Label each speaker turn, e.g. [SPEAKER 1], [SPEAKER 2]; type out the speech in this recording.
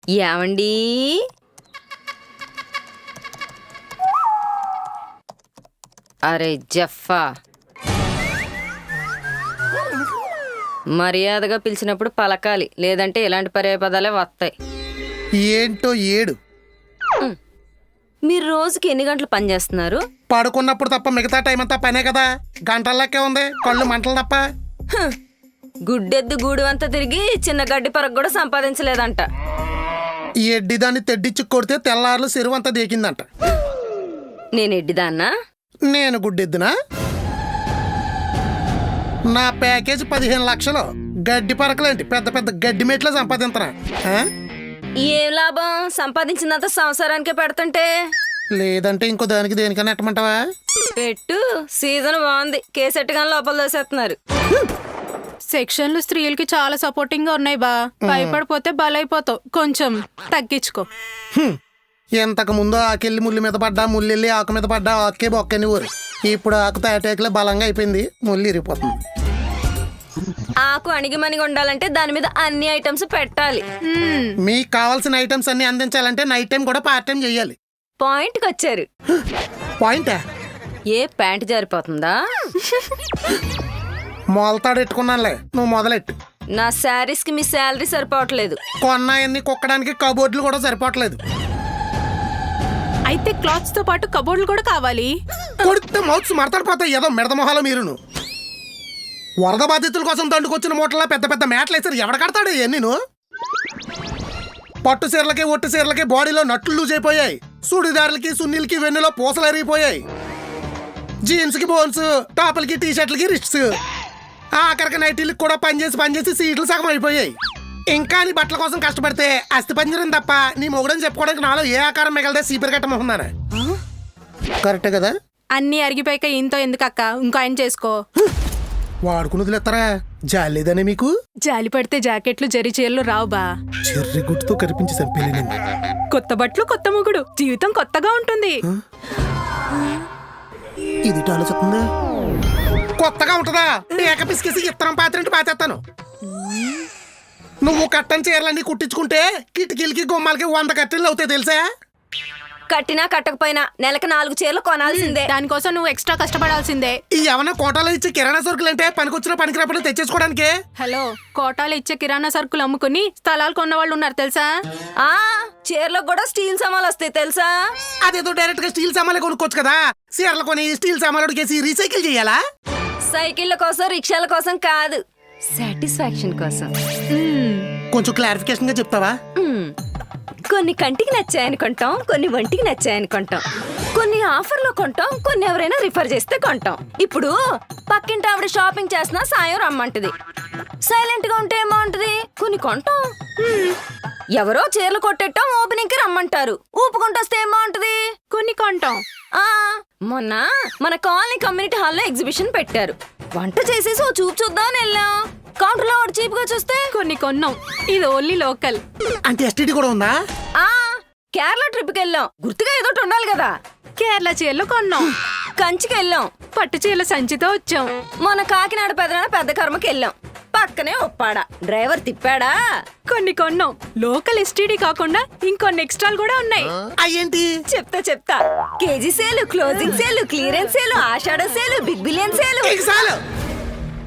[SPEAKER 1] ఏమండి? అరే జఫా, మర్యాదగా పిలిచినప్పుడు పలకాలి, లేదంటే ఇలాంటి పర్యాయపదాలే వస్తాయి.
[SPEAKER 2] ఏంటో ఏడు.
[SPEAKER 1] మీరు రోజుకి ఎన్ని గంటలు పని చేస్తున్నారు?
[SPEAKER 2] పడుకున్నప్పుడు తప్ప మిగతా టైం అంతా పనే కదా. గంటల్లోకే ఉంది, కళ్ళు మంటలు తప్ప.
[SPEAKER 1] గుడ్డెద్దు గూడు అంతా తిరిగి చిన్న గడ్డి పరకు కూడా సంపాదించలేదంట.
[SPEAKER 2] ఈ ఎడ్డిదాన్ని తెడ్డిచ్చి కొడితే తెల్లారులు చెరువంతా దేకిందంట.
[SPEAKER 1] నేను ఎడ్డిదాన్నా?
[SPEAKER 2] నేను గుడ్డెద్దునా? నా ప్యాకేజ్ 15 లక్షలు. గడ్డి పరకలేంటి, పెద్ద పెద్ద గడ్డి మెట్లో సంపాదించరా?
[SPEAKER 1] ఏం లాభం? సంపాదించినంత సంసారానికే పెడుతుంటే.
[SPEAKER 2] లేదంటే ఇంకో దానికి దేనికన్నా ఎట్టమంటావా?
[SPEAKER 1] పెట్టు, సీజన్ బాగుంది. కేసెట్టుగా లోపల దోసేస్తున్నారు.
[SPEAKER 3] సెక్షన్లు స్త్రీలకి చాలా సపోర్టింగ్ గా ఉన్నాయి బా. భయపడిపోతే బలైపోతావు, కొంచెం తగ్గించుకో.
[SPEAKER 2] ఇంతకు ముందు ఆకెళ్ళి ముళ్ళు మీద పడ్డా, ముళ్ళెళ్ళి ఆకు మీద పడ్డా, ఆకే బొక్కని ఊరు. ఇప్పుడు ఆకు తాటాకులే బలంగా అయిపోయింది, ముళ్ళు ఇరిగిపోతుంది.
[SPEAKER 1] ఆకు అణిగిమణిగి ఉండాలంటే దాని మీద అన్ని ఐటమ్స్ పెట్టాలి.
[SPEAKER 2] మీకు కావాల్సిన ఐటమ్స్ అన్ని అందించాలంటే నైట్ టైం కూడా పార్ట్ టైం చెయ్యాలి.
[SPEAKER 1] పాయింట్కి వచ్చారు.
[SPEAKER 2] పాయింటా?
[SPEAKER 1] ఏ ప్యాంట్ జారిపోతుందా?
[SPEAKER 2] మొలతాడు ఎట్టుకున్నానులే, నువ్వు మొదలెట్టు.
[SPEAKER 1] నా శారీస్ కి మీ శాలరీ సరిపోవట్లేదు.
[SPEAKER 2] కొన్నాయన్ని కుక్కడానికి కబోర్డులు కూడా సరిపోవట్లేదు.
[SPEAKER 3] అయితే క్లాత్స్ తో పాటు కబోర్డులు కూడా కావాలి.
[SPEAKER 2] కొడితే మౌత్స్ మడతడిపోతాయి. ఏదో మిడత మొహాలు మీరును. వరద బాధితుల కోసం దండుకొచ్చిన మూటలా పెద్ద పెద్ద మేటలు వేసారు. ఎవడ కడతాడు నేను? పట్టు చీరలకి ఒట్టు చీరలకి బాడీలో నట్లు లూజ్ అయిపోయాయి. సుడిదారులకి సున్నీలకి వెన్నులో పూసలు ఎరిగిపోయాయి. జీన్స్ కి బోన్స్, టాపులకి టీ షర్ట్లకి రిస్ట్స్, ఆఖరికి నైటీలకు కూడా పనిచేసి సీట్లు సగం అయిపోయాయి. ఇంకా నీ బట్టల కోసం కష్టపడితే అస్థి పంజరం తప్ప నీ మొగుడని చెప్పుకోవడానికి నాలో ఏ ఆకారం మిగలదే సీపర్ కట్టమవుతున్నాను. కరెక్టే కదా?
[SPEAKER 3] అన్ని అరిగిపోయాక ఇంతో ఎందుకక్క, ఇంకో ఆయన చేసుకో.
[SPEAKER 2] వాడుకుని వదిలేస్తారా? జాలి లేదనే మీకు?
[SPEAKER 3] జాలి పడితే జాకెట్లు జరి చీరలు రావు బా.
[SPEAKER 2] చెర్రి గుట్టుతో కనిపించి చంపేలేను.
[SPEAKER 3] కొత్త బట్టలు కొత్త మొగుడు, జీవితం కొత్తగా ఉంటుంది.
[SPEAKER 2] ఇది ఆలోచిస్తుందా? కొత్తగా ఉంటుందా? ఏక పిసికేసి ఇత్తనం పాత్రంటే పాతేస్తాను. నువ్వు కట్టని చీరలన్నీ కుట్టించుకుంటే కిటికీలకి గుమ్మాలకి 100 కట్టెలు అవుతాయి తెలుసా?
[SPEAKER 1] కట్టినా కట్టకపోయినా నెలకు 4 చీరలు కొనాల్సిందే.
[SPEAKER 3] దానికోసం నువ్వు ఎక్స్ట్రా కష్టపడాల్సిందే.
[SPEAKER 2] ఈ ఏమన్నా కోటాలో ఇచ్చే కిరాణా సరుకులు అంటే పనికొచ్చిన పనికిరాపడి తెచ్చేసుకోవడానికి.
[SPEAKER 3] హలో, కోటాలు ఇచ్చే కిరాణా సరుకులు అమ్ముకుని స్థలాలు కొన్న వాళ్ళు ఉన్నారు తెలుసా?
[SPEAKER 1] ఆ చీరలకు కూడా స్టీల్ సామాన్లు వస్తాయి తెలుసా?
[SPEAKER 2] అదేదో డైరెక్ట్ గా స్టీల్ సామాన్లు కొనుక్కోవచ్చు కదా. చీరలు కొని స్టీల్ సామాన్లు కేసి రీసైకిల్ చేయాలా?
[SPEAKER 1] సైకిళ్ళ కోసం, రిక్షాల కోసం కాదు, సాటిస్ఫాక్షన్ కోసం.
[SPEAKER 2] కొంచెం క్లారిఫికేషన్ గా చెప్తావా?
[SPEAKER 1] కొన్ని కంటికి నచ్చాయని కొంటాం, కొన్ని ఒంటికి నచ్చాయని కొంటాం, కొన్ని ఆఫర్లో కొంటాం, కొన్ని ఎవరైనా రిఫర్ చేస్తే కొంటాం. ఇప్పుడు పక్కింటి ఆవిడ షాపింగ్ చేసినా సాయం రమ్మంటది. సైలెంట్ గా ఉంటే ఏమంటది? కొన్ని కొంటాం. ఎవరో చీరలు కొట్టేటం ఓపెనింగ్ కి రమ్మంటారు, ఊపుకుంటొస్తే ఏమంటది?
[SPEAKER 3] కొన్ని కొంటాం.
[SPEAKER 1] మొన్న మన కాలనీ కమ్యూనిటీ హాల్లో ఎగ్జిబిషన్ పెట్టారు. వంట చేసేసి ఓ చూపు చూద్దామని వెళ్ళాం. కౌంటర్ లో చీప్ గా చూస్తే
[SPEAKER 3] కొన్ని కొన్నాం. ఇది ఓన్లీ లోకల్.
[SPEAKER 2] అంటే ఎస్టీడీ కూడా ఉందా?
[SPEAKER 1] కేరళ ట్రిప్ కి వెళ్ళాం, గుర్తుగా ఏదో ఉండాలి కదా.
[SPEAKER 3] కేరళ చీరలు కొన్నాం.
[SPEAKER 1] కంచికి వెళ్ళాం,
[SPEAKER 3] పట్టు చీరల సంచితో వచ్చాం.
[SPEAKER 1] మన కాకినాడ పెద్ద కర్మకి వెళ్ళాం, పక్కనే ఒప్పాడా, డ్రైవర్ తిప్పాడా.
[SPEAKER 3] కొన్ని కొన్నాం. లోకల్ ఎస్టీడీ కాకుండా ఇంకొన్ని ఎక్స్ట్రాలు కూడా ఉన్నాయి.
[SPEAKER 2] అయ్యేంటి?
[SPEAKER 1] చెప్తా. KG sale, closing sale, clearance sale, ఆషాఢ సేలు, బిగ్ బిలియన్ సేలు.